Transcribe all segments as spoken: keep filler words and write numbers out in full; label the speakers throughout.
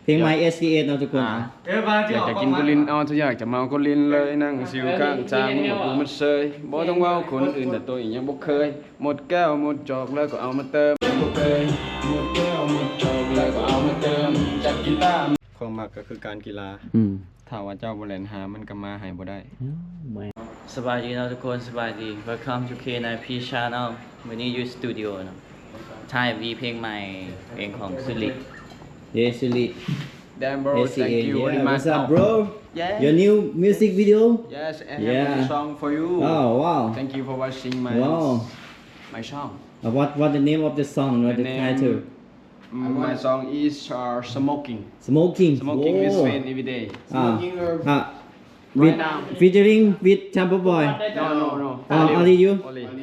Speaker 1: เพลงไม้ เอส ซี เอส เนาะทุกคน
Speaker 2: อยากจะกินกุลินเอาถ้าอยากจะเมากุลินเลยนั่งสิวข้างทางบอกกูมันเซยบ่ต้องเว้าคนอื่นแต่ตัวเองยังบ่เคยหมดแก้วหมดจอกแล้วก็เอามาเติมบ่เคยหมดแก้วหมดจอกแล้วก็เอามาเติมจากกีฬาความมักก็คือการกีฬา
Speaker 1: อืม
Speaker 2: ถ้าว่าเจ้าบ่เล่นหามันก็มาให้บ่ได้
Speaker 3: สบายดีเนาะทุกคนสบายดี Welcome to เค ไนน์ พี Channel วันนี้อยู่สตูดิโอเนาะถ่ายวีเพลงใหม่เพลงของสุริ
Speaker 1: Yes, Suli.
Speaker 2: Damn bro,
Speaker 1: S C A,
Speaker 2: thank you very
Speaker 1: yeah.
Speaker 2: much.
Speaker 1: What's up, bro?
Speaker 2: Yeah.
Speaker 1: Your new music video?
Speaker 2: Yes, I have
Speaker 1: Yeah.
Speaker 2: a song for you.
Speaker 1: Oh, wow.
Speaker 2: Thank you for watching my
Speaker 1: Wow.
Speaker 2: my song.
Speaker 1: Uh, what what the name of the song? What the,
Speaker 2: The name-
Speaker 1: title?
Speaker 2: Mm, My song is uh, smoking.
Speaker 1: Smoking.
Speaker 2: Smoking with
Speaker 1: Whoa.
Speaker 2: friend every day.
Speaker 1: Ah. Ah.
Speaker 2: Right
Speaker 1: With,
Speaker 2: now.
Speaker 1: featuring with Champa Boy.
Speaker 2: No, no, no.
Speaker 1: Oh, only you?
Speaker 2: Only.
Speaker 1: โอ้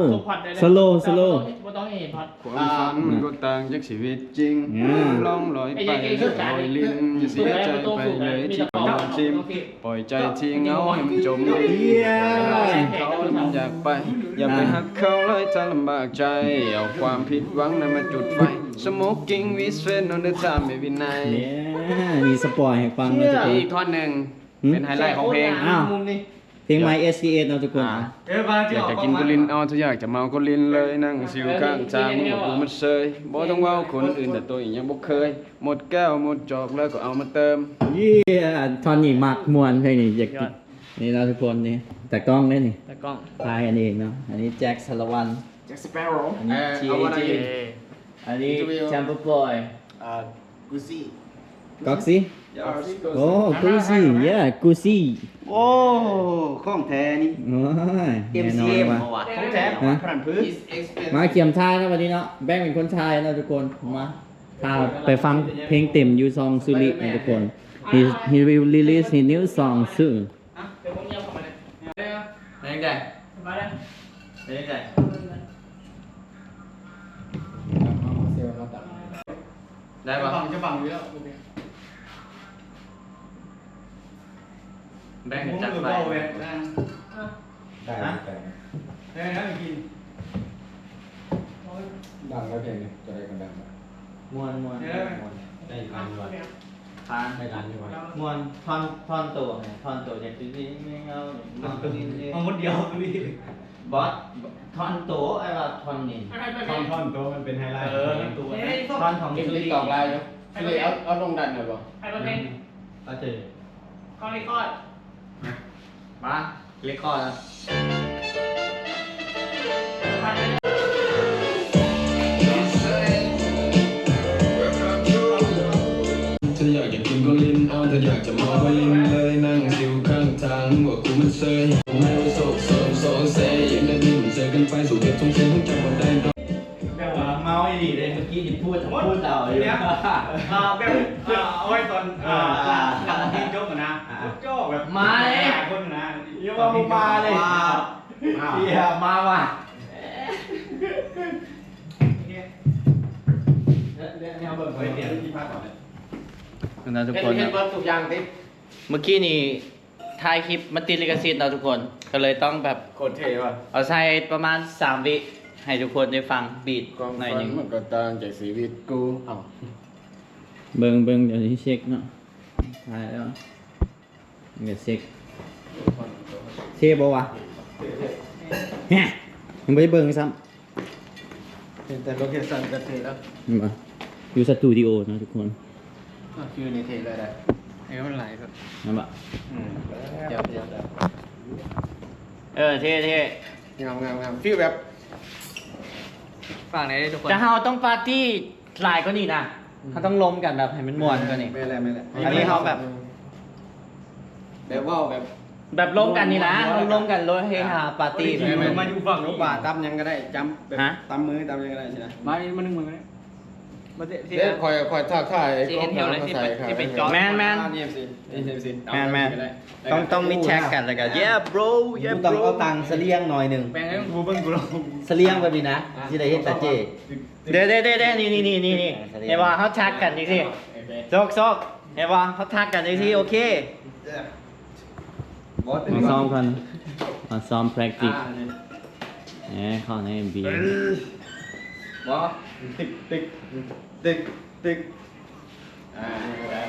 Speaker 1: slow slow
Speaker 4: บ่ต้องเห็นพอด
Speaker 2: ความฝันมันก็ต่างจากชีวิตจริง
Speaker 1: อ่า
Speaker 2: ล่องลอยไปลอยลิ้นอย่าเสียใจไปเลยที่ยอมชิมปล่อยใจที่เหงาให้มันจมดินเขามันอยากไป อย่าไปหักเขาเลยถ้าลำบากใจ เอาความผิดหวังนั้นมาจุดไฟ Smoking with friend on the time every night
Speaker 1: เนี่ยมีสปอยให้ฟังนะทุกคน
Speaker 2: อีกท่อนหนึ่งเป็นไฮไลท์ของเพลง
Speaker 1: อ้าว เพลงไม้ เอส ซี เอส เนาะทุกคน
Speaker 2: อ่าอยากจะกินกุลินเอาถ้าอยากจะเมากุลินเลยนั่งสิวข้างทางบอกกูมันเซยบ่ต้องเว้าคนอื่นแต่ตัวเองยังบ่เคยหมดแก้วหมดจอกแล้วก็เอามาเติม
Speaker 1: เยี่ยทอนนี่มักมวนเพลงนี้อยากกินนี่เราะทุกคนนี่แต่กล้องได้นี่
Speaker 3: ตะกล้อง
Speaker 1: ทายกันเองเนาะอันนี้แจ็คสารวัน
Speaker 2: Jack Sparrow
Speaker 1: อันนี้ ที เอ จี อันนี้แชมเปอร์บอย
Speaker 2: อ่ากูซี่
Speaker 1: ก๊อกซี่โอ้กูซี่เย่กูซี่
Speaker 2: โอ้ของแท้นี่
Speaker 1: โอ้ยแน่นอนว่ะ
Speaker 2: ของแท้
Speaker 1: ฮะ
Speaker 2: พรันพื้น
Speaker 1: มาเขียมทายนะวันนี้เนาะแบ่งเป็นคนทายนะทุกคนมาพาไปฟังเพลงเต็มยูซองซูรินะทุกคน he he will release his new song soon
Speaker 4: เดี๋ยวผมเงียบเข้ามาเลย
Speaker 3: เพลงใหญ่
Speaker 4: สบายแล้ว
Speaker 3: เพลงใหญ่ได้ปะ
Speaker 4: จะบังอยู่แล้ว
Speaker 3: แบ่งกันจัดไป
Speaker 4: ได้
Speaker 2: ได้ได้ได้กินดังแล้วเพลงนี้จะได้กันดัง
Speaker 1: มวนมวน
Speaker 2: ได้พันวัน
Speaker 1: ทาน
Speaker 2: ได้ล้านดีกว่าม
Speaker 1: วนท่อนท่อนตัวไงท่อนตัวอย่างที่นี่ไม่เอามันตัวนี้
Speaker 4: มันคนเดียวพี่
Speaker 1: บอสท่อนตัวไอ้ว่าท่อนนี่
Speaker 2: ท่อนท่อนโตมันเป็นไฮไลท์
Speaker 4: เออตัว
Speaker 1: ท่อนของ
Speaker 2: เก็บ
Speaker 1: ซู
Speaker 2: ติ๊
Speaker 1: ริ
Speaker 2: กตอกไลน์อยู่คือเอาเอาลงดันหน่อยบ่
Speaker 4: ใครมาเพลง
Speaker 1: ก็เจอ
Speaker 4: ก้อนรีคอร์ด
Speaker 3: มาเล็กคอร์ดแล้ว
Speaker 2: ถ้าอยากจะกินก็ลิ้นเอาถ้าอยากจะเมาก็ลิ้นเลยนั่งสิวข้างทางบอกกูมันเซยไม่รู้โศกโศกโศกเซยยังได้ดิ้นเจอกันไปสู่เก็บทงเสียงจำวันได้
Speaker 4: แบบว่า
Speaker 1: เมาไอ้ดีเลยเมื่อกี้ที่พูดพูดเราอยู่
Speaker 4: เนี่ยอ่าแบบอ่าเอาไว้ตอนอ่าหลังเพลงจบนะจบแบบคนนะ
Speaker 1: เยอะมามาเลยเฮียมาว่ะ
Speaker 4: เนี่ยเบิร์ดไปเดี๋ยวที่พักก่อนเลย
Speaker 3: นะทุกคน
Speaker 2: เห็นเบิร์ดทุกอย่างติ
Speaker 3: เมื่อกี้นี่ถ่ายคลิปมันติดลิขสิทธิ์เราทุกคน ก็เลยต้องแบบ
Speaker 2: โคตรเท่ว่ะ
Speaker 3: เอาใช้ประมาณสามวิให้ทุกคนได้ฟังบีท
Speaker 2: ความ
Speaker 3: หน่อย
Speaker 2: ฝั
Speaker 3: ห
Speaker 2: น
Speaker 3: นึ่ง
Speaker 2: มันก็ต่างจากชีวิตกูเอ้า
Speaker 1: เบิ่งเบิ่งเดี๋ยวนี้เช็คเนาะตายแล้วเดี๋ยวเช็คเทบ่วะแฮะยังไม่ได้เบิ่งซ้
Speaker 2: แต่โลเคชั่นก็เท่แล้ว
Speaker 1: ำมาอยู่สตูดิโอนะทุกคน
Speaker 2: คือในเท่เลยได้
Speaker 3: เอ้ยมันไหลแบบ
Speaker 1: นั่นปะ
Speaker 2: เดี๋ยวเดี๋ยวเดี๋ยว
Speaker 3: เออเท่เท่
Speaker 2: งามงามงามฟีลแบบ
Speaker 3: ฝั่งไหนทุกคนจะเฮาต้องปาร์ตี้หลายก็นี่นะเขาต้องล้มกันแบบให้มันม่วนก็นี่
Speaker 2: ไม่แหละไม่แหละ
Speaker 3: อันนี้เขาแบบ
Speaker 2: แบบว่าแบบ
Speaker 3: แบบล้มกันนี่นะต้องล้มกันรถเฮฮาปาร์ตี้
Speaker 2: ไม่ไม่มาอยู่ฝั่งลูกป่าตำยังก็ได้จำแบบ
Speaker 3: ฮะ
Speaker 2: ตำมือตำยังก็ได้ใช่ไหม
Speaker 4: มานี่มาหนึ่งมือเลยมาเตะที่
Speaker 2: เดี๋ยวคอยคอยทักทาย
Speaker 4: ที่เห็นแถวเลยที่เป็นที่เป็นจอ
Speaker 3: แมนแมน
Speaker 2: เอ็มซีเอ็มซี
Speaker 3: แมนแมนต้องต้องมิดแท็กกันแล้วกัน yeah bro yeah
Speaker 1: ต้อง
Speaker 3: bro
Speaker 1: เอาตังค์เสลียงหน่อยหนึ่ง
Speaker 4: แปลงให้กูเบิ้งกูลอง
Speaker 1: เสลียงแบบนี้นะที่ได้เห็นตาเจ
Speaker 3: เดี๋ยวเดี๋ยวเดี๋ยวนี่นี่นี่นี่นี่เห็นว่าเขาทักกันอีกทีโซกโซกเห็นว่าเขาทักกันอีกทีโอเค
Speaker 1: มาซ้อมกันมาซ้อม practice แหมเข้าในบี
Speaker 2: บอติ๊กติ๊กติ๊กติ๊กอ่า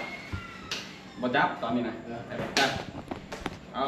Speaker 2: บอจับตอนนี้นะจับอ๋อ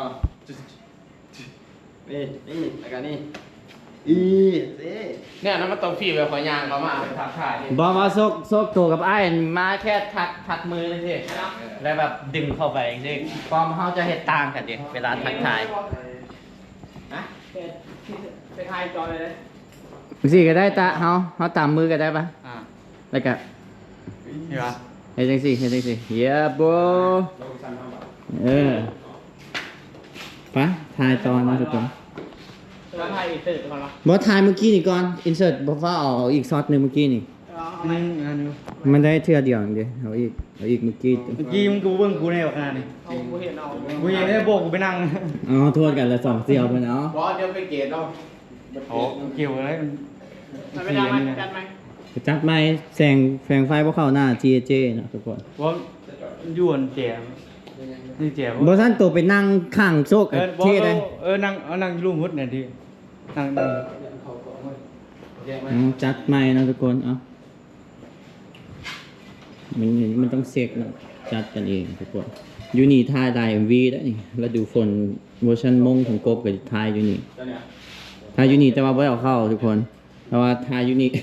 Speaker 2: นี่นี่แล้วกันนี่อีเนี่ยนั่นมันต้องฟีแบบขอยางเขามาทักทายนี่
Speaker 3: บอกว่าโซกโซกตัวกับไอ้มาแค่ทักทักมือเลยสิแล้วแบบดึงเข้าไปจริงๆความเขาจะเห็นต่างกันดิเวลาทักทาย
Speaker 4: ฮะไปทายจอเลยเลย
Speaker 1: สิก็ได้ตาเฮาเฮาตามมือก็ได้ปะ
Speaker 3: อ่า
Speaker 1: แล้วก็
Speaker 3: เห็นปะ
Speaker 1: เฮ็ดจังซี่เฮ็ดจังซี่ yeah bro เออไปถ่ายตอนนะทุกคน
Speaker 4: แล้วทายอีกตื่นก่อนเหรอ
Speaker 1: บ่ถ่ายเมื่อกี้นี่ก่อน insert บ่ฟ้าเอาเอาอีกช็อตหนึงเมื่อกี้นี่
Speaker 4: เอาไหม
Speaker 1: มันได้เทื่อเดียวเดียวเอาอีกเอาอีกเมื่อกี้
Speaker 5: เมื่อกี้มึงกูเบิ่งกูในแบบงานนี่
Speaker 4: เอากูเห็นเอา
Speaker 5: กูยังได้โบกกูไปนั่ง
Speaker 1: อ๋อโทษกันละสองเสี่ยวเพิ่นเอา
Speaker 2: บอสเดี๋ยวไปเกตเอา
Speaker 5: โอ้เกี่ยวอะไรมัน
Speaker 4: มันไม่ได้ไหมจัดไหม
Speaker 1: จัดไม้แสงแสงไฟบ่เข้าหน้า จี เจ เนาะทุกคน
Speaker 5: ว่าอยวนแจมนี่แจม
Speaker 1: บ่ทันตัวไปนั่งข้างโซก
Speaker 5: เอ
Speaker 1: อะ
Speaker 5: อบอก
Speaker 1: เท่ได้
Speaker 5: เออนั่งเอานั่งอยู่รูมพุทธเนี่ยทีนั่งนั่ง
Speaker 1: อืมจัดไม้นะทุกคนเอ้ามันมันต้องเช็คเนาะจัดกันเองทุกคนอยู่นี่ถ่ายได้ เอ็ม วี ได้นี่แล้วดูฝนเวอร์ชันมงของกบก็ถ่ายอยู่นี่ถ่ายอยู่นี่แต่ว่าบ่ได้เอาเข้าทุกคนแต่ว่าถ่ายอยู่นี่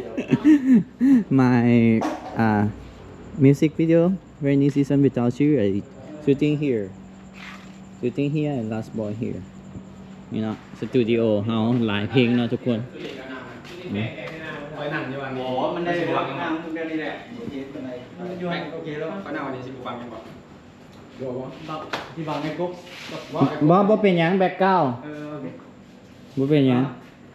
Speaker 1: my uh music video rainy season without you I shooting here shooting here and last boy here นี่เนาะสตูดิโอเฮาหลายเพลงเนาะทุกคนนี่
Speaker 2: ไปนั่งอยู่วันนี้
Speaker 5: อ๋อมันได้ฟังนั่งเรื่องนี้แหละ
Speaker 2: อยู่โอเคแล้วก็นั่งวันนี้สิฟังกันบ่โยบ่
Speaker 5: ที่ฟังในกุ๊ก
Speaker 1: บ่บ่เป็นหยังแบ็คกราวด์
Speaker 5: เออโอเค
Speaker 1: บ่เป็นหยัง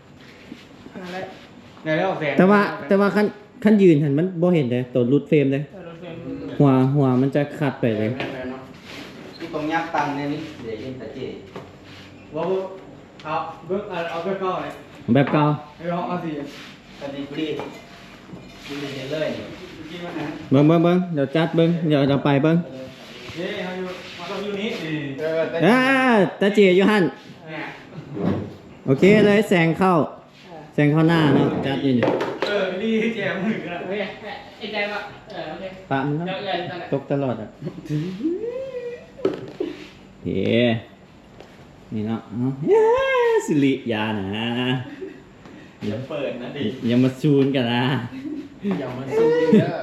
Speaker 5: ในแล้วแสง
Speaker 1: แต่ว่าแต่ว่าคันคันยืนหันมันบ่เห็นเด้ตัวรุดเฟรมเด้
Speaker 4: เออรถเฟรม
Speaker 1: หัวหัวมันจะขัดไปเลย
Speaker 3: ที่ตรงยักตังเนี่ยนี่เดี๋ยวเห็นแต่เจ
Speaker 5: ว่าเอาเบิ่งเอาไปเข้าเลย
Speaker 1: แบบเก่า
Speaker 5: ไอ้ร้องเอาสิ
Speaker 3: ตอนนี้กูดีกูดีเลยนี่
Speaker 5: กินมันนะ
Speaker 1: เบิ่งเบิ่งเบิ่งเดี๋ยวจัดเบิ่งเดี๋ยวเราไปเบิ่ง
Speaker 5: เฮ้ยเขาอยู่มาต้องอยู่นี่นี่
Speaker 2: เออแต่
Speaker 1: อ่าตาเจียอยู่หั่น
Speaker 5: เนี่ย
Speaker 1: โอเคเลยแสงเข้า แสงเข้าหน้าเนาะจัดอยู่นี่
Speaker 5: เออนี่แจมมือกัน
Speaker 4: โอเคไอ้ใจว่าเออโอเค
Speaker 1: ปะมันเนาะ
Speaker 4: เดี๋ยวใหญ่ตอนไหน
Speaker 1: ตกตลอดอ่ะเฮ้นี่เนาะเอาเย้สิริยานะ
Speaker 2: อย่าเปิดนะดิ
Speaker 1: อย่ามาซูนกันนะ
Speaker 2: อย่ามาสู้เด้อ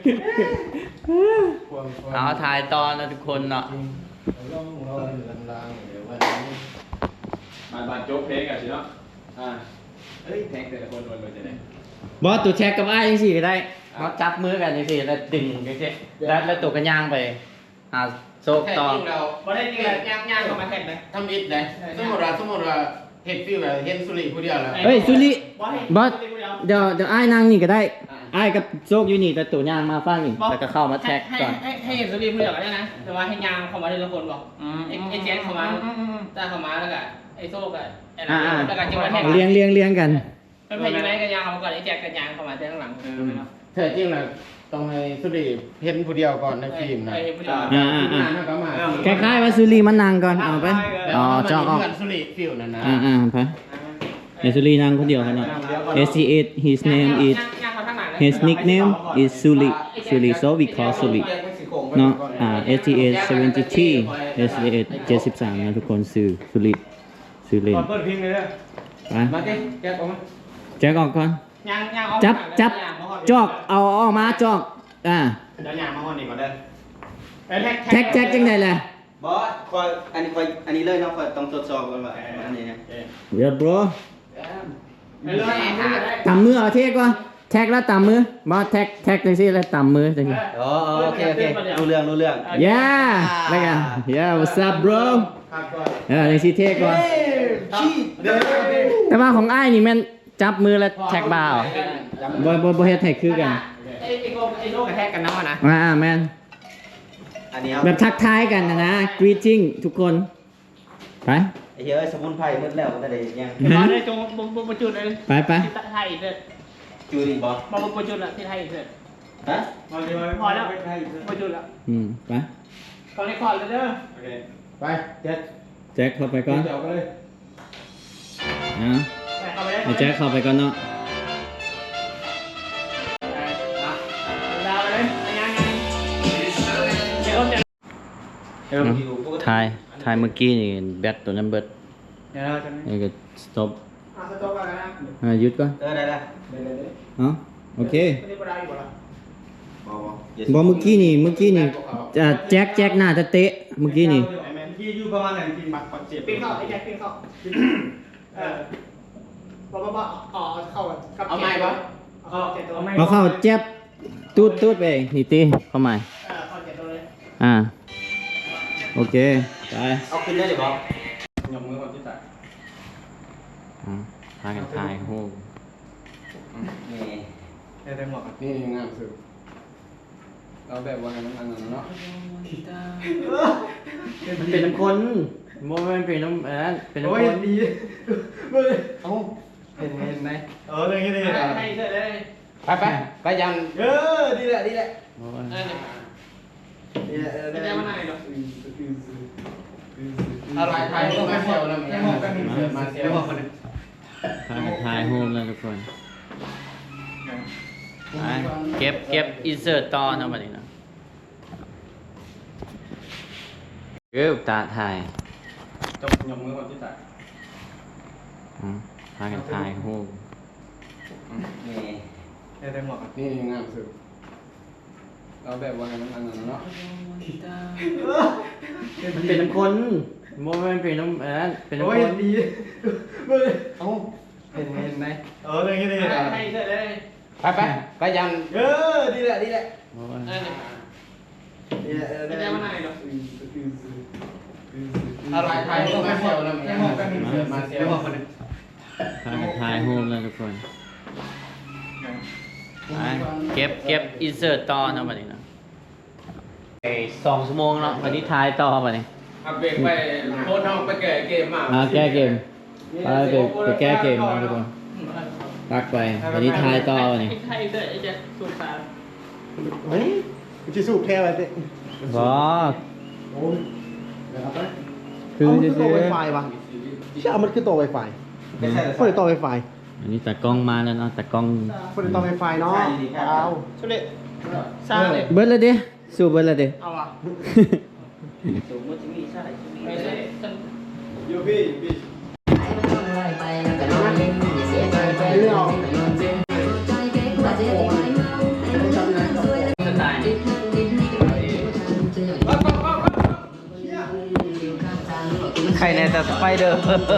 Speaker 2: ความความ
Speaker 3: เอาถ่ายตอนนะทุกคนเนาะ
Speaker 2: เราเราลางๆเดี๋ยววันนี้มาบาดโจ๊กเพลงกันสิเนาะอ่าเอ้ยเพลงแต่ละคนวนๆจะได้
Speaker 1: บอสตัวแชกกับไอ้ยังสี่ก็ได้
Speaker 3: เขาจับมือกันจังซี่แล้วดึงจังซี่แล้วแล้วตัวกันย่างไปหาโซก
Speaker 2: แค่
Speaker 3: ต่อ
Speaker 2: จริงเรา
Speaker 4: บ่ได้จริงเลยย่างย่างเข้ามาแทนเลย
Speaker 2: ทำอิดเลยสมมติว่าสมมติว่าเห็ดฟิวแบบเห็นสุริผู้เดียวแล้ว
Speaker 1: เฮ้ยสุริ
Speaker 4: บอสให้
Speaker 1: บอส
Speaker 4: เดียว
Speaker 1: เดี๋ยวเดี๋ยวไอ้นั่งนี่ก็ได้ไอ้กับโซกอยู่นี่แต่ตัวย่างมาฟังอีกแล้วก็เข้ามาแท็ก
Speaker 4: ให้
Speaker 1: ก่อน
Speaker 4: ให้ให้เห็นสตรีมเลือกได้นะ แต่ว่าให้ยางเข้ามาทีละคนบอกไอ้ไอ้แจ๊คเข้ามาตาเข้ามาแล้วก็ไอ้โซ่กับไอ้นั่นแล้วก็จังหวะแทง
Speaker 1: เลี้ยงเลี้ยงเลี้ยงกัน
Speaker 4: เป็นพายุไหนกันยางเข้ามาก่อนไอ้แจ๊คกันยางเข้ามาแต่ข้างหลัง
Speaker 2: แท้จริงนะต้องให้สุริเห็นผู้เดียวก่อนในฟิล์มนะ
Speaker 4: ไอ้ผู้เดียว
Speaker 1: อ่าอ่าอ่า
Speaker 2: หน้าก็มา
Speaker 1: คล้ายๆว่าสุรีมันนั่งก่อนเอาไปอ๋อจอกออก
Speaker 2: เพื่อนสุริฟิวนั่นนะ
Speaker 1: อ่าอ่าไปเดี๋ยวสุรีนั่งคนเดียวครับเนาะ S C eight his name is
Speaker 4: ยางเข้าข้างหลัง
Speaker 1: his nickname is Suli Suli so we call Suli เนาะอ่า S T A seventy-three S T A เจ็ดสิบสามนะทุกคนซื้อสุริซื้อเล่น
Speaker 5: ก่อนเปิดเพลงเลยเนี่ย
Speaker 1: ไป
Speaker 2: มาดิแกะออกมา
Speaker 1: แจ็คออกก่อน
Speaker 4: ยางยางเอา
Speaker 1: จับจับจอกเอาออกมาจอกอ่า
Speaker 4: เดี๋ยวยางมาห้องนี้ก่อนเด้อ
Speaker 1: แท็กแจ็คจังไดล่ะ
Speaker 3: บอสคอยอันนี้คอยอันนี้เลยเนาะคอยต้องตรวจสอบก่อนว่าอันนี้นะ
Speaker 1: เดี๋ยว bro
Speaker 4: ไม่รู้ไอ้หา
Speaker 1: ตามมือเอาเทก่อนแท็กแล้วตามมือบอสแท็กแท็กจังซี่แล้วตามมือจังซี่
Speaker 3: อ๋อโอเคโอเครู้เรื่องรู้เรื่อง
Speaker 1: yeah แล้วกัน yeah what's up bro
Speaker 2: ครับก่อน
Speaker 1: เออจังซี่เทก่อน
Speaker 2: ชี้เด้อ
Speaker 1: แต่ว่าของอ้ายนี่แม่นจับมือแล้วแท็กบ่าวบ่บ่บ่เฮ็ดให้คือกัน
Speaker 4: ไอ้ไอ้โลกไอ้โลกกระแทกกันน้ำมันนะ
Speaker 1: อ่าแม่น
Speaker 3: อันนี้
Speaker 1: แบบทักทายกันนะนะ greeting ทุกคนไป
Speaker 3: ไอ้เหี้ยสมุนไพรหมดแล้วก็ได้ยัง
Speaker 4: บอสได้จงบุบุบุจุดเลย
Speaker 1: ไปไป
Speaker 4: ที่ไทยอีกเลย
Speaker 3: จูดีบ่
Speaker 4: บอบุบุจุดละที่ไทยอีกเลย
Speaker 3: ฮะ
Speaker 5: มาเดี๋ยว
Speaker 4: พอแล้วบุจุดละ
Speaker 1: อืมไป
Speaker 4: ตอนนี้คอร์ดเลยเด้อ
Speaker 2: โอเคไปแจ็ค
Speaker 1: แจ็คเข้าไปก่อน
Speaker 2: เดี๋ยวก็เลย
Speaker 1: นะ
Speaker 4: ไปเข้าไปได้
Speaker 1: ให้แจ็คเข้าไปก่อนเนาะ
Speaker 4: ดาวเลยยังยังเดี๋ยวจะ
Speaker 3: เนาะถ่ายถ่ายเมื่อกี้นี่แบตตัวนั้นเบิด
Speaker 5: เดี๋ยวเราจะ
Speaker 3: นี่ก็ stop
Speaker 4: อ่ะสต๊อกกันนะ
Speaker 3: อ่ะหยุดก่อน
Speaker 5: เออได้ได้
Speaker 3: เอ้าโอเค
Speaker 4: ไม่ได้ปลาอยู่บ่ล่ะ
Speaker 1: บอเมื่อกี้นี่เมื่อกี้นี่จะแจ็คแจ็คหน้าจะเตะเมื่อกี้นี่
Speaker 5: ยี่อยู่ประมาณไหนจริงบักปักเจ็บ
Speaker 4: ปีนเข้าไอ้แจ็คปีนเข้าเออบอกบอกบอกอ๋อเข้ากับเอาไม้ปะเอาเจ็ดตัวไม่
Speaker 1: เอาเข้าแจ็บตูดตูดไปนี่ตีเข้ามา
Speaker 4: เออเข้าเจ็ดตัวเลย
Speaker 1: อ่าโอเคไป
Speaker 5: เอาขึ้นได้หรือเปล่า
Speaker 2: ยกมือคนที่ตัด
Speaker 3: อ่ะพากันถ่ายรูป
Speaker 5: ได้ได้หมด
Speaker 2: นี่งามสุดเอาแบบว่านั้นอันนั้นเนาะ
Speaker 1: มันเป็นน้ำคนโมมันเป็นน้ำอันนั้นเป็นน้ำ
Speaker 5: โอ้
Speaker 1: ค
Speaker 5: ย
Speaker 1: น
Speaker 5: ดีเฮ้ย
Speaker 2: เอ้าเห็นเห็นไหม
Speaker 5: เออได้ยังไง
Speaker 4: ให้ให้เสร็จเลย
Speaker 2: ไปไปไปยัน
Speaker 5: เออดีแหละดีแหละ
Speaker 3: โอ้ย
Speaker 4: เออเนี่ย
Speaker 5: ดีแหละเออ
Speaker 4: ไม่
Speaker 5: ได้
Speaker 4: ได้
Speaker 5: มา
Speaker 4: มาไหนหรอก
Speaker 2: อะไรไทยก็ไม่เซลแล้วเนี่ยมาเซลมาคนนึง
Speaker 3: พากันถ่ายรูปแล้วทุกคนไปเก็บเก็บ insert ต่อเนาะบัดนี้เนาะเก็บตาถ่าย
Speaker 2: จบยกมือคนที่ตัด
Speaker 3: อ่ะพากันถ่ายรูป
Speaker 5: ได้ได้หมด
Speaker 2: นี่งามสุดเอาแบบว่านั้นอันนั้นเนาะ
Speaker 1: มันเป็นน้ำคนโมมันเป็นน้ำอันนั้นเป็นน้ำ
Speaker 5: โอ้
Speaker 1: ค
Speaker 5: ย
Speaker 1: น
Speaker 5: ดีเฮ้ย
Speaker 2: เอ้าเห็นเห็นไหม
Speaker 5: เออได้ยังไง
Speaker 4: ให้ให้เสร็จเลย
Speaker 2: ไปไปไปยัน
Speaker 5: เออดีแหละดีแหละ
Speaker 3: โอ้ย
Speaker 4: เออเนี่ย
Speaker 5: ดีแหละเออ
Speaker 4: ไม่
Speaker 5: ได้
Speaker 4: ได้
Speaker 5: มา
Speaker 4: มาไหนหรอก
Speaker 2: อะไรไทยก็ไม่เซลแล้วเนี่ยมาเซลคนนึง
Speaker 3: พากันถ่ายรูปแล้วทุกคนไปเก็บเก็บ insert ต่อเนาะบัดนี้เนาะไอ้สองชั่วโมงเนาะวันนี้ถ่ายต่อบัดนี้
Speaker 2: เอาเบรกไปโคตรน้องไปแก่เกมมา
Speaker 1: อ่าแก้เกมไปไปไปแก้เกมนะทุกคนตักไปวันนี้ทายต่อวันนี้
Speaker 4: ให้เสร็จไอ้แจ็คสูบสาร
Speaker 5: เฮ้ยจะสูบแค่อะไรสิ
Speaker 1: บอ
Speaker 5: โอ้ย
Speaker 1: คือ
Speaker 5: เอามัน
Speaker 1: จะ
Speaker 5: คือ
Speaker 1: ซื้
Speaker 5: ตัว
Speaker 1: อ
Speaker 5: Wi-Fi วะใช่เอามันคือตัว Wi-Fi ไม่ใช่ไม่ใช่ตัว Wi-Fi
Speaker 1: อันนี้แต่กล้องมาแล้วเนาะแต่กล้อง
Speaker 5: เป็นตัว Wi-Fi เนาะเอา
Speaker 4: ชุดเด็สร้างเลย
Speaker 1: เบิร์ดเลยดิสู้เบิร์ดเลยดิ
Speaker 4: เอาอ่ะไม่ใช่ฉัน
Speaker 2: ยูพี่พี่
Speaker 3: สไตล์ใครในแต่สไปเดอร์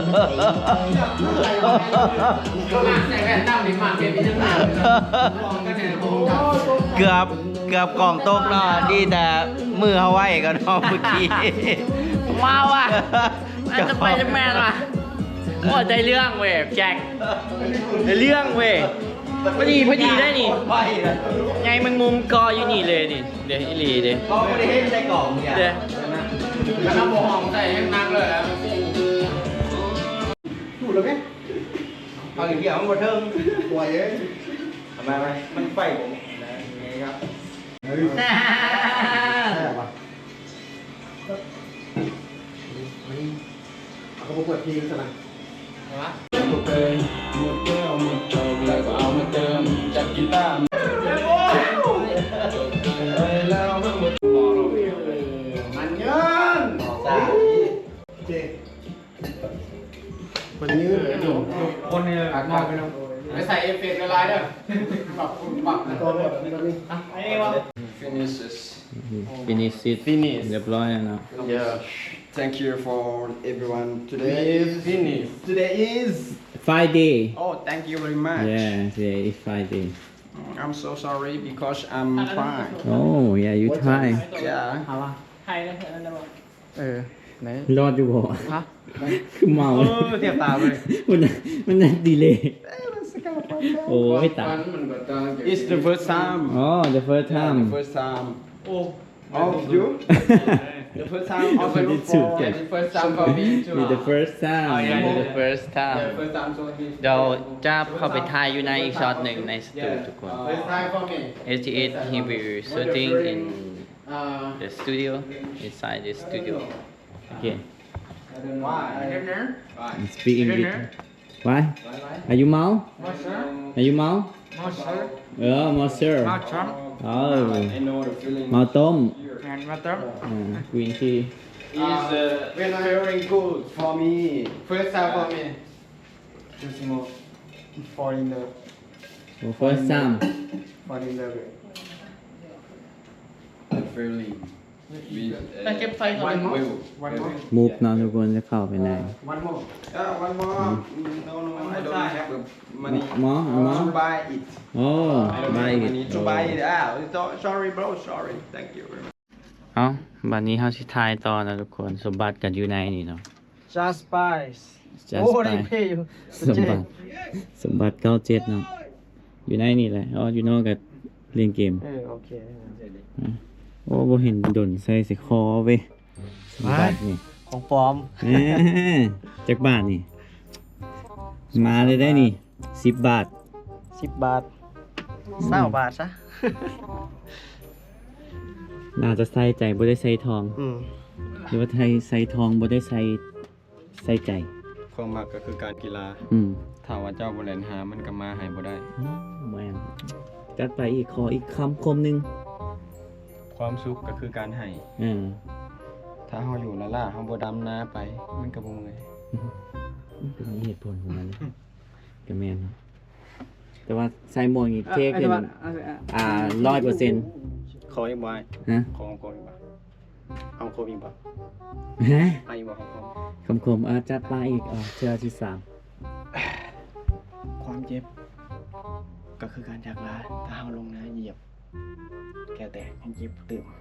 Speaker 4: ก็มาใส่แว่นดำดิมาเก็บไปทั้งหมดก็เนี่ยผม
Speaker 3: เกือบเกือบกล่องตกเนาะดีแต่มือเขาไว้ก็เนาะเมื่อกี้
Speaker 4: ว้าวอ่ะอันจะไปจะแมนว่ะโอ้ได้เรื่องเว้ยแจ็คได้เรื่องเว้ยพอดีพอดีได้นี่ไงมึงมุมกออยู่นี่เลยนี่เดี๋ยวอีหลีเดี๋ยว
Speaker 5: ก็ไม่ได้ให้ใส่กล่องเนี่ย
Speaker 4: เดี๋ยว
Speaker 2: น้ำหอมใส่ให้นักเลยอ่ะ
Speaker 5: ถูกแล้วไหม
Speaker 2: เอาอย่างเดียวมันหมดเทิง
Speaker 5: ป่วยเอ้ย
Speaker 2: ทำไมไหมมันไฟผมนี่ครับ
Speaker 5: เฮ้ยแซ่บว่ะเอาเขาเปิดเพลงซะนะ
Speaker 2: หมดเลยหมดแก้วหมดจบแล้วก็เอามาเติมจากกีตาร์แล้วมันหมด
Speaker 5: มันเงินโอเคคนนี้
Speaker 2: คนนี้อัดมาไปน้องไปใส่เอฟเฟกต์ละลายเด้อปรับปรับ
Speaker 5: ตัวแบบนี้
Speaker 4: ไอ้วะ
Speaker 2: finishes
Speaker 1: finish it
Speaker 2: Finish
Speaker 1: เรียบร้อยแล้วเนาะ
Speaker 2: yeah thank you for everyone today is finished
Speaker 5: today is
Speaker 1: Friday
Speaker 2: oh thank you very much
Speaker 1: yeah today is Friday
Speaker 2: I'm so sorry because I'm fine
Speaker 1: oh yeah you try
Speaker 2: yeah
Speaker 4: เอาวะใครเลยนั่นจะบอก
Speaker 2: เออไหน
Speaker 1: รอดอยู่บ่
Speaker 2: ฮะ
Speaker 1: คือเมา
Speaker 2: เออเทียบตาเลย
Speaker 1: มันมันดีเลยโอ้ไม่ตัด
Speaker 2: It's the first time
Speaker 1: อ๋อ the first
Speaker 2: Yeah,
Speaker 1: time
Speaker 2: the first time
Speaker 4: โอ้
Speaker 2: of you the first time of
Speaker 1: I
Speaker 2: you
Speaker 1: did
Speaker 2: for
Speaker 1: too, yeah.
Speaker 2: the first time for me too
Speaker 1: It's the first time
Speaker 3: Oh yeah this is the first time
Speaker 2: yeah first time so he
Speaker 3: เดี๋ยวจะเข้าไปถ่ายอยู่ในอีกช็อตหนึ่งในสตู
Speaker 2: yeah
Speaker 3: ทุกคน
Speaker 2: first time for me
Speaker 3: เอส ที เอส he will shooting in
Speaker 2: uh
Speaker 3: the studio inside the studio
Speaker 1: okay
Speaker 2: why why
Speaker 1: speak English why are you เมา are you เมา
Speaker 2: Monster
Speaker 1: เออ monster
Speaker 2: มาช้อน
Speaker 1: อ๋อ
Speaker 2: I know the feeling
Speaker 1: เมาต้ม
Speaker 2: and มาต้ม
Speaker 1: กรีนที
Speaker 2: is uh, very good for me.
Speaker 5: First time for me. Just more fall in love.
Speaker 1: first time
Speaker 5: Fall in love.
Speaker 2: Friendly. With,
Speaker 4: ไปเก็บไฟก่อน
Speaker 5: One more.
Speaker 2: will.
Speaker 5: One more.
Speaker 1: มุกเนาะทุกคนจะเข้าไปไหน
Speaker 5: One more.
Speaker 2: Uh, one more. No, no, I don't have the money
Speaker 1: หมอหมอ
Speaker 2: to buy it.
Speaker 1: โอ้
Speaker 2: I don't
Speaker 1: ใบ
Speaker 2: have money to buy it. Ah, so- sorry, bro. Sorry. Thank you very much.
Speaker 3: เอ้าบัดนี้เฮาสิทายต่อนะทุกคนสมบัติกันอยู่ในนี่เนาะ
Speaker 5: Just spice.
Speaker 1: Just
Speaker 5: Oh,
Speaker 1: Spice.
Speaker 5: they pay you.
Speaker 1: สมบัติสมบัติเก้าเจ็ดเนาะอยู่ในนี่แหละอ๋ออยู่นอกกับเล่นเกม
Speaker 5: Eh, okay.
Speaker 1: โอ้บ่เห็นดนใส่สิคอเว้ยสมบัตินี่
Speaker 5: ของปลอม
Speaker 1: เอ้ยจักบาทนี่ มาเลยได้นี่สิบบาท
Speaker 5: สิบบาทเศร้าบาทซะ
Speaker 1: น่าจะใส่ใจบ่ได้ใส่ทอง
Speaker 5: อืม
Speaker 1: หรือว่าไทยใส่ทองบ่ได้ใส่ใส่ใจ
Speaker 2: ความมักก็คือการกีฬา
Speaker 1: อืม
Speaker 2: ถ้าว่าเจ้าบ่เล่นหามันก็มาให้บ่ได้
Speaker 1: แม่นจัดไปอีกขออีกคำคมหนึง
Speaker 2: ความสุขก็คือการให้
Speaker 1: อ่า
Speaker 2: ถ้าเฮาอยู่ละล่าเฮาบ่ดำนาไป มันก็บ่เมื่อย
Speaker 1: มันเป็นเหตุผลของมันนะก็แม่นเนาะแต่ว่าใส่หมวกนี่เท่ขึ้นอ่าร้อยเปอร์เซ็นต์
Speaker 2: ขออีกบ่
Speaker 1: ฮะ
Speaker 2: ขอของโคอีกบ่เอาโคอีกบ่
Speaker 1: ฮะ
Speaker 2: ให้บ่ของโค
Speaker 1: คำคมอาจัดไปอีกอ่าเชื่อที่สาม
Speaker 5: ความเจ็บ ก็คือการจากลาถ้าเฮาลงนะเหยียบ แก่แตกยังเจ็บตื่น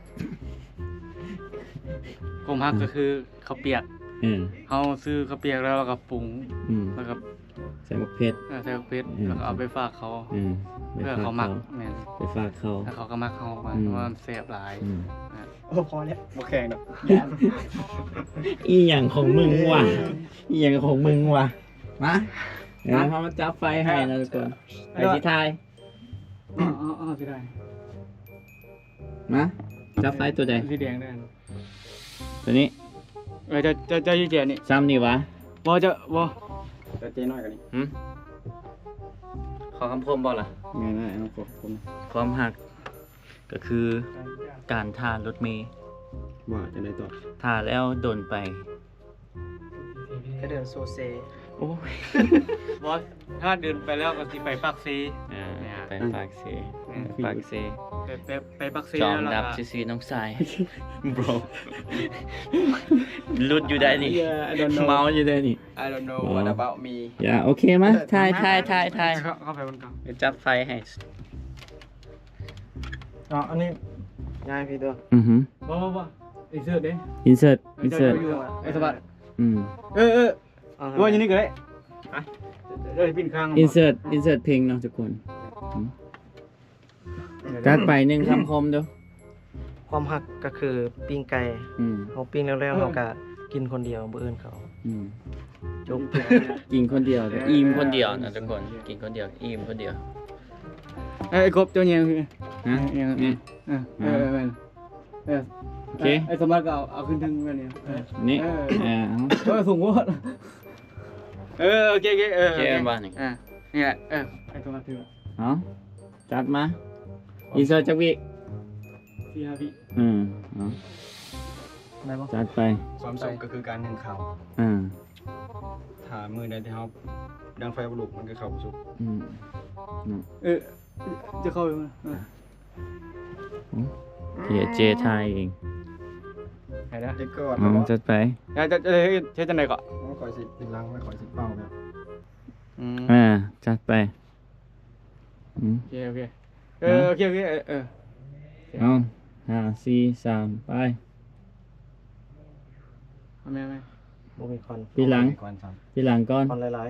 Speaker 6: ผมฮักก็คือข้าวเปียก
Speaker 1: เออ
Speaker 6: เฮาซื้อข้าวเปียกแล้วเราก็ปรุง
Speaker 1: อืม
Speaker 6: แล้วก็
Speaker 1: ใส่หมวกเพชร
Speaker 6: เอ่อใส่ข้าวเพชร
Speaker 1: อืม
Speaker 6: แล้วก็เอาไปฝากเขา
Speaker 1: อืมไป
Speaker 6: เพื่อ
Speaker 1: ฝาก
Speaker 6: เขามัก
Speaker 1: เขา
Speaker 6: แม่น
Speaker 1: ไปฝากเขา
Speaker 6: แล้วเขาก็มักเขามา
Speaker 1: อืม
Speaker 6: เพราะว่ามันแซ่บหลาย
Speaker 1: อืม
Speaker 5: โอ้พอแล้วบ่แข่งดอก
Speaker 1: อีหยังของมึงวะอีหยังของมึงวะมาเดี๋ยวพอมาจับไฟให้นะทุกคนไปที่ไทย
Speaker 6: อ๋ออ๋ออ๋อสิได้
Speaker 1: มาจับไฟตัวใด
Speaker 6: สีแดงได้
Speaker 1: ตัวนี้
Speaker 6: เออจะจะจะยี่เจนี่
Speaker 1: ซ้ำนี่วะ
Speaker 6: บ่จะบ่
Speaker 2: แต่เจ๊น้อยกว่านี้
Speaker 3: หึขอคำคมบ่ล่ะ
Speaker 2: ง่ายๆเอาขอบคุณ
Speaker 3: ความหักก็คือการท่ารถเมล์
Speaker 2: ว่าจะได้ต่อ
Speaker 3: ท่าแล้วโดนไป
Speaker 5: ก็เดินโซเซ
Speaker 3: โอ้ย
Speaker 6: บ่ถ้าเดินไปแล้วก็สิไปปากซี
Speaker 3: อ่าไปปากเซ
Speaker 6: อืม
Speaker 3: ปากเซ
Speaker 6: ไปไปไปปากซี
Speaker 3: จอม
Speaker 6: แล้ว
Speaker 3: ดั
Speaker 6: ล่ะ
Speaker 3: บซีซีน้องสาย bro หลุดอยู่ได้นี่
Speaker 6: Yeah, I don't know
Speaker 1: เมาอยู่ได้นี่
Speaker 2: I don't know what about me
Speaker 1: อย่าโอเคมั้ยทายทายทายทาย
Speaker 6: เข้าเข้าไปบนกลาง
Speaker 3: เดี๋ยวจับไฟให้
Speaker 5: อ๋ออันนี้ง่ายพี่ตัว
Speaker 1: อือฮึ
Speaker 6: บ่บ่บ่ไอ้เสื้อเด้
Speaker 1: insert insert
Speaker 6: ไอ้สะบัด
Speaker 1: อืม
Speaker 6: เออเออว่าอย่างนี้ก็ได้ไปเดี๋ยวปิ้นข้าง
Speaker 1: insert insert เพลงเนาะทุกคนอืมจัดไปหนึ่งคำคมเด้อ
Speaker 5: ความหักก็คือปิ้งไก่
Speaker 1: อืม
Speaker 5: เขาปิ้งแล้วๆเขาก็กินคนเดียวบ่อื่นเขา
Speaker 1: อืม
Speaker 5: จบ
Speaker 1: กินคนเดียวเด้อ
Speaker 3: อิ่มคนเดียวนะทุกคนกินคนเดียวอิ่มคนเดียว
Speaker 6: เอ้ยกบเจ้าเนี่ยคือ
Speaker 1: ฮะ
Speaker 6: เนี่ย
Speaker 1: นี่
Speaker 6: เออเออเออเออ
Speaker 1: โอเค
Speaker 6: ไอ้สมบัติก็เอาเอาขึ้นถึงแบบนี้เออ
Speaker 1: นี่
Speaker 6: เออ
Speaker 1: อ่าเอา
Speaker 6: เออสูงกว่าเออโอเคโอเคเออ
Speaker 3: โอเคบ้านนี่
Speaker 6: อ่ะนี่แหละเออไอ้สมบัติถือ
Speaker 1: เอาจัดมา insert จักวิ
Speaker 6: สี่ห้าวิ
Speaker 1: อืมเอา
Speaker 5: ได้บ่
Speaker 1: จัดไป
Speaker 2: ความสุขก็คือการหนึ่งข่าว
Speaker 1: อ่า
Speaker 2: ถ้ามือใดที่เฮาดังไฟบ่ลุกมันก็เข้าบ่สุข
Speaker 1: อืมอืม
Speaker 6: เออจะเข้าไปมั้ยเออ
Speaker 1: เดี๋ยวเจทายเอง
Speaker 6: ไหนนะ
Speaker 2: เจ๊ก็
Speaker 1: อืมจัดไป
Speaker 6: จะจะจะใช้จังได๋ก็
Speaker 2: ขอยสิเป็นลังไม่ขอยสิเป้าแบบ
Speaker 6: อืม
Speaker 1: อ่า จัดไปอืม
Speaker 6: โอเคโอเคเออโอเคโอเคเออเออ
Speaker 1: เอาห้าสี่สามไป
Speaker 6: เอาแม่ไหม
Speaker 5: บ่มีคอน
Speaker 1: พี่หลัง
Speaker 2: ก่อนซ้
Speaker 1: พี่หลังก่อน
Speaker 5: คอนหลาย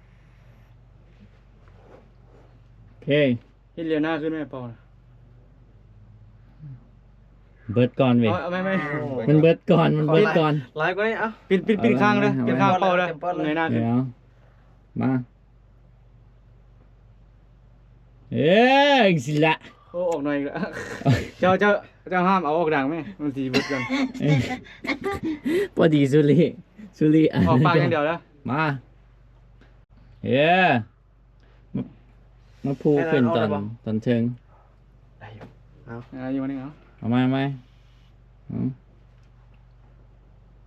Speaker 1: โอเค
Speaker 6: เฮ็ดเรียวหน้าขึ้นไหมเปล่านะ
Speaker 1: เบิดก่อนเว้ย
Speaker 6: เอาเอาแม่ไหม
Speaker 1: มันเบิดก่อน มันเบิดก่อน
Speaker 5: ๆหลายกว่านี้เอ้า
Speaker 6: ปิดปิดปิดข้างเลย
Speaker 1: เอาไว้
Speaker 6: ปิดข้างเป่าเลย
Speaker 5: เต็มปอดเลย
Speaker 6: เงยหน้าขึ้น
Speaker 1: เดี๋ยวมา เอ้ยสิละ
Speaker 6: โอ้ออกหน่อยอีกแล้วเจ้าเจ้าเจ้าห้ามเอาออกดังไหมมันสีเบิดกัน
Speaker 1: เอ้ยพอดีสุริสุริะ
Speaker 6: ออกปากอย่างเดียวแล้ว
Speaker 1: มาเอ้ยมามาพูขึ้นตอนตอนเชิง
Speaker 5: ได้อยู่
Speaker 6: อ่าอยู่วันนี้เหรอ
Speaker 1: เอามาไหมอืม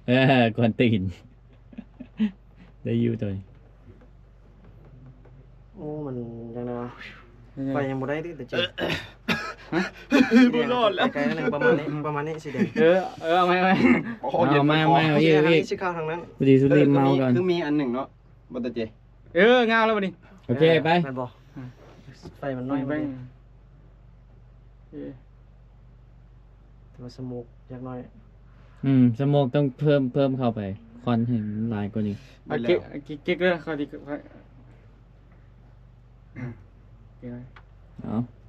Speaker 1: เออกวนตีน ได้อยู่ตัวนี้
Speaker 5: โอ้มันยังไงวะไฟยังบ่ได้ดิแต่เจ๊
Speaker 2: บ่รอดแล้ว
Speaker 5: ไกลๆนั่นเองประมาณนี้ประมาณนี้สีแดง
Speaker 6: เออเออเอาไหมเอาไหม
Speaker 1: เอามาเอามาเอา
Speaker 5: โอเค
Speaker 1: อีก
Speaker 5: ทาง
Speaker 1: อี
Speaker 5: นี้
Speaker 1: ก
Speaker 5: สิเข้าทางนั้น
Speaker 1: พอดีสุรีเมาก่อน
Speaker 2: คือมีอันหนึ่งเนาะบ่ตะเจ
Speaker 6: เอองาวแล้ววันนี้
Speaker 1: โอเคไป
Speaker 5: แม่นบ่ไฟมันน้อย
Speaker 6: ไป
Speaker 5: ไป
Speaker 6: เออ
Speaker 5: แต่ว่าสโมกอยากน้อย
Speaker 1: อืมสโมกต้องเพิ่มเพิ่มเข้าไปควันให้มันลายกว่านี้
Speaker 6: เอาเก๊กเอาเก๊กเก๊กเลยเขาดีเขาอ่ะเก๊กเลย
Speaker 1: เอา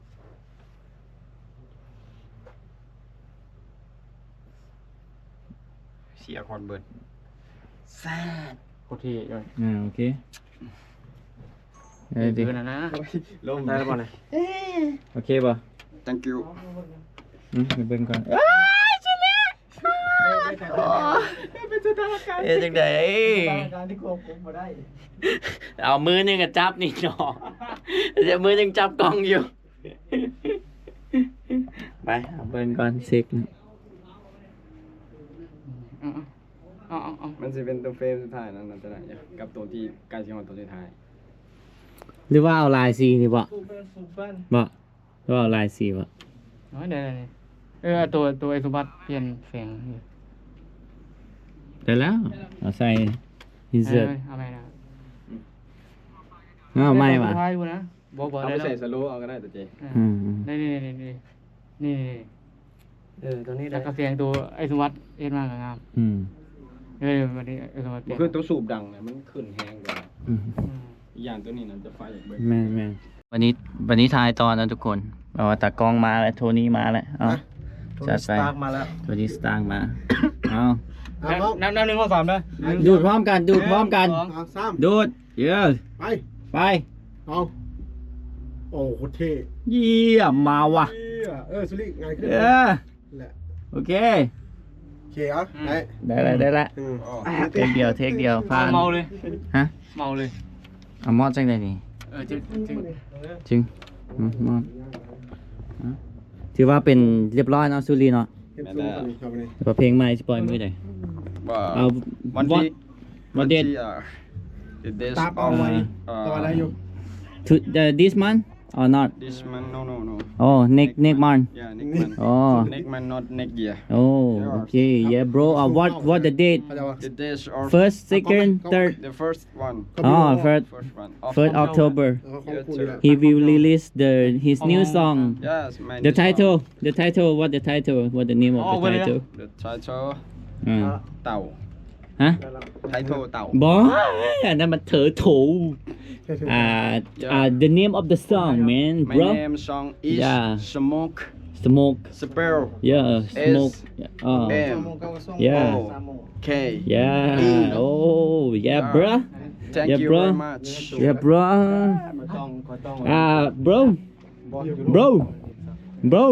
Speaker 2: เสียคอนเบิด
Speaker 6: โคตรเท่เลย
Speaker 1: อ่าโอเค
Speaker 6: เอ
Speaker 1: เอ้
Speaker 6: อย
Speaker 1: ดิ
Speaker 6: ดีนะนะ
Speaker 2: ลม
Speaker 5: ได้แล้วบ่เนี่ย
Speaker 1: โอเคป่ะ
Speaker 2: thank you
Speaker 1: อืมไปเบิ่งก่อน
Speaker 4: เอ๊ะจังไดเอามือหนึงอะจับนี่เนาะเดี๋ยวมือหนึงจับกล้องอยู่ ไปเอา
Speaker 1: เบิ่งก่อนเซ็กนะ
Speaker 6: เอาเอาเอาเอา
Speaker 2: มันจะเป็นตัวเฟรมสุดท้ายนั่นน่ะจะได้กับตัวที่ใกล้ชิงตัวสุดท้าย
Speaker 1: หรือว่าเอาลายสีนี่บ่บ่หรือว่าเอาลายสีบ่
Speaker 6: เอาเดี๋ยวเดี๋ยวเดี๋ยวเออตัวตัวไอ้สมบัติเปลี่ยนแสงอยู่
Speaker 1: ได้แล้วเอาใส่อิน
Speaker 6: เอ
Speaker 1: เสิร์ต
Speaker 6: อเอาไปนะ
Speaker 1: เอาไม่ว่ะ
Speaker 6: สุดท้ายกูนะบอกบอก
Speaker 2: เอา
Speaker 6: ได้
Speaker 2: ไป
Speaker 6: แล้ว
Speaker 2: ใส่สโลว์เอาก็ได้ตะเจ
Speaker 1: อืมอืม
Speaker 6: นี่นี่นี่นี่นี่นี่
Speaker 5: เออตัวนี้ได้
Speaker 6: แล้วก็เสียงตัวไอ้สมบัติเอ็นมากกับงาม
Speaker 1: อืม
Speaker 6: เออวันนี้ไอ้สมบัติเปลี่ยน
Speaker 2: คือตัวสูบดังเนี่ยมันขึ้นแฮงกว่า
Speaker 1: อืม
Speaker 6: อืม
Speaker 2: อีกอย่างตัวนี้น่ะจะไฟอย่างเบิ่ง
Speaker 1: แม่นแม่น
Speaker 4: วันนี้วันนี้ทายตอนนะทุกคนเอาตากล้องมาแล้วโทนี่มาแล้วเอา
Speaker 5: ตัว
Speaker 4: จั
Speaker 5: นี้
Speaker 4: ด
Speaker 5: ส
Speaker 4: ไป
Speaker 5: ตาร์ทมาแล้ว
Speaker 1: ตัวนี้สตางค์มาเอา
Speaker 6: นับนับหนึ่งข้อสามเลย
Speaker 1: ดูดพร้อมกันดูดพร้อมกัน
Speaker 7: เอาสาม
Speaker 1: ดูดเยอะ
Speaker 7: ไป
Speaker 1: ไป
Speaker 7: เอาโอ้โหเท่
Speaker 1: เยี่ยมมาว่ะ
Speaker 7: เหี้ยเออสุริง่ายขึ้น
Speaker 1: เออ
Speaker 7: แหละ
Speaker 1: โอเค
Speaker 7: โอเคเอาไป
Speaker 1: ได้ละได้ละ
Speaker 7: อืม
Speaker 1: เทคเดียวเทคเดียวผ่าน
Speaker 6: เมาเลย
Speaker 1: ฮะ
Speaker 6: เมาเลย
Speaker 1: เอามอดจังได้นี่
Speaker 6: เออจริงจริง
Speaker 1: จึงอืมมอดอ่ะถือว่าเป็นเรียบร้อยเนาะสุรีเนาะ
Speaker 7: เก็บซุ้มกันนี่เข้าไปนี่
Speaker 1: แต่ว่าเพลงใหม่สิปล่อยมือใด
Speaker 2: ว่า
Speaker 1: เอา
Speaker 2: วันที่
Speaker 1: วันเด็ด
Speaker 2: ที่อ่า the days
Speaker 7: ตามเอา
Speaker 2: of
Speaker 7: ไว้
Speaker 2: uh,
Speaker 7: ต่อได้อยู่
Speaker 1: to the this month or not
Speaker 2: this month no no no
Speaker 1: oh next next month
Speaker 2: yeah next month
Speaker 1: oh
Speaker 2: next month not next year
Speaker 1: oh okay yeah bro uh, what what the date
Speaker 7: เข้าใจปะ
Speaker 2: the days of
Speaker 1: first second third
Speaker 2: the first one
Speaker 1: oh first
Speaker 2: first one of
Speaker 1: first October
Speaker 7: เออของคุณนี่แหละ
Speaker 1: he will release the his new song
Speaker 2: yes my
Speaker 1: the
Speaker 2: new song.
Speaker 1: title the title what the title what the name of the title
Speaker 2: the title
Speaker 1: อ่า
Speaker 2: เต่า
Speaker 1: ฮะ
Speaker 2: title เต่า
Speaker 1: บออันนั้นมันเถอโถอ่าอ่า the name of the song man
Speaker 2: my
Speaker 1: bro
Speaker 2: name song is
Speaker 1: Yeah.
Speaker 2: smoke
Speaker 1: smoke
Speaker 2: spell
Speaker 1: yeah smoke oh
Speaker 2: M
Speaker 1: yeah
Speaker 2: K
Speaker 1: yeah oh yeah bro
Speaker 2: thank
Speaker 1: Yeah,
Speaker 2: you
Speaker 1: bro.
Speaker 2: very much
Speaker 1: yeah bro อ่า bro bro bro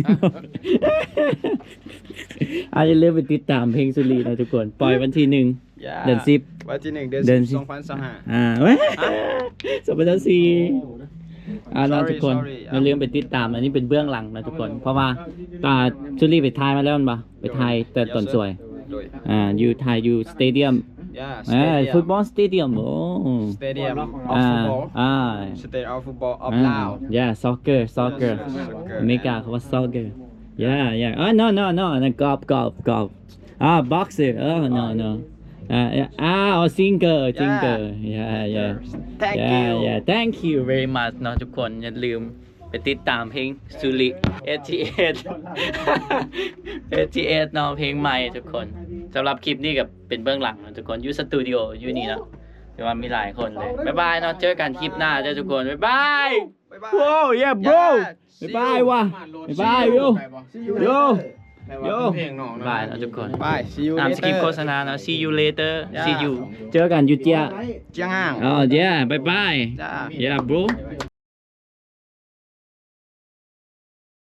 Speaker 1: อาจจะเริ่มไปติดตามเพลงสุรีนะทุกคน ปล่อยวันที่หนึ่ง
Speaker 2: Yeah.
Speaker 1: เดือนสิบ
Speaker 2: วันที่หนึ่งเดือน
Speaker 1: เดื
Speaker 2: สิ
Speaker 1: อน
Speaker 2: บ
Speaker 1: สิบ
Speaker 2: สองพันสองห้า
Speaker 1: อ่าเว้ยสองพันสี่อ่าเรา
Speaker 2: Sorry,
Speaker 1: ทุกคน
Speaker 2: sorry
Speaker 1: เราลืมไปติดตาม อันนี้เป็นเบื้องหลังนะทุกคน เพราะว่าตาสุรีไปถ่ายมาแล้วมันปะไปถ่ายแต่ตอนสวย
Speaker 2: โดย
Speaker 1: อ่าอยู่ถ่ายอยู่สเตเดียม
Speaker 2: Yeah
Speaker 1: อ่า
Speaker 2: stadium
Speaker 1: ฟุตบอลสเตเดียมโอ้
Speaker 2: Stadium of
Speaker 1: อ่า
Speaker 2: football
Speaker 1: อ่า
Speaker 2: Stadium of football of
Speaker 1: อ่า
Speaker 2: Lao
Speaker 1: yeah soccer soccer
Speaker 2: Soccer
Speaker 1: อเมริกาเขาว่า soccer yeah yeah อ่า no no no นั่นกอล์ฟกอล์ฟกอล์ฟอ่า boxer เออ no no อ่าอ่าอ๋อ singer singer yeah yeah
Speaker 2: Thank
Speaker 1: yeah
Speaker 2: you
Speaker 1: yeah thank you very much
Speaker 4: เนาะทุกคนอย่าลืมไปติดตามเพลงสุริเอทีเอสเอทีเอสเนาะเพลงใหม่ทุกคนสำหรับคลิปนี้กับเป็นเบื้องหลังนะทุกคนอยู่สตูดิโออยู่นี่เนาะแต่ว่ามีหลายคนเลยบ๊ายบายเนาะเจอกันคลิปหน้าเจ้าทุกคนบ๊ายบาย
Speaker 1: โอ้ yeah bro บ๊ายบายว่ะบ๊ายบายโยโยโย
Speaker 4: บ๊ายบายเนาะทุกคน
Speaker 2: Bye see you
Speaker 4: ตามสคริปต์โฆ
Speaker 2: later
Speaker 4: ษณาเนาะ see you later see you
Speaker 1: เจอกันอยู่เจีย
Speaker 2: เจียงอ่าง
Speaker 1: อ๋อ yeah bye bye
Speaker 2: จ้า
Speaker 1: yeah bro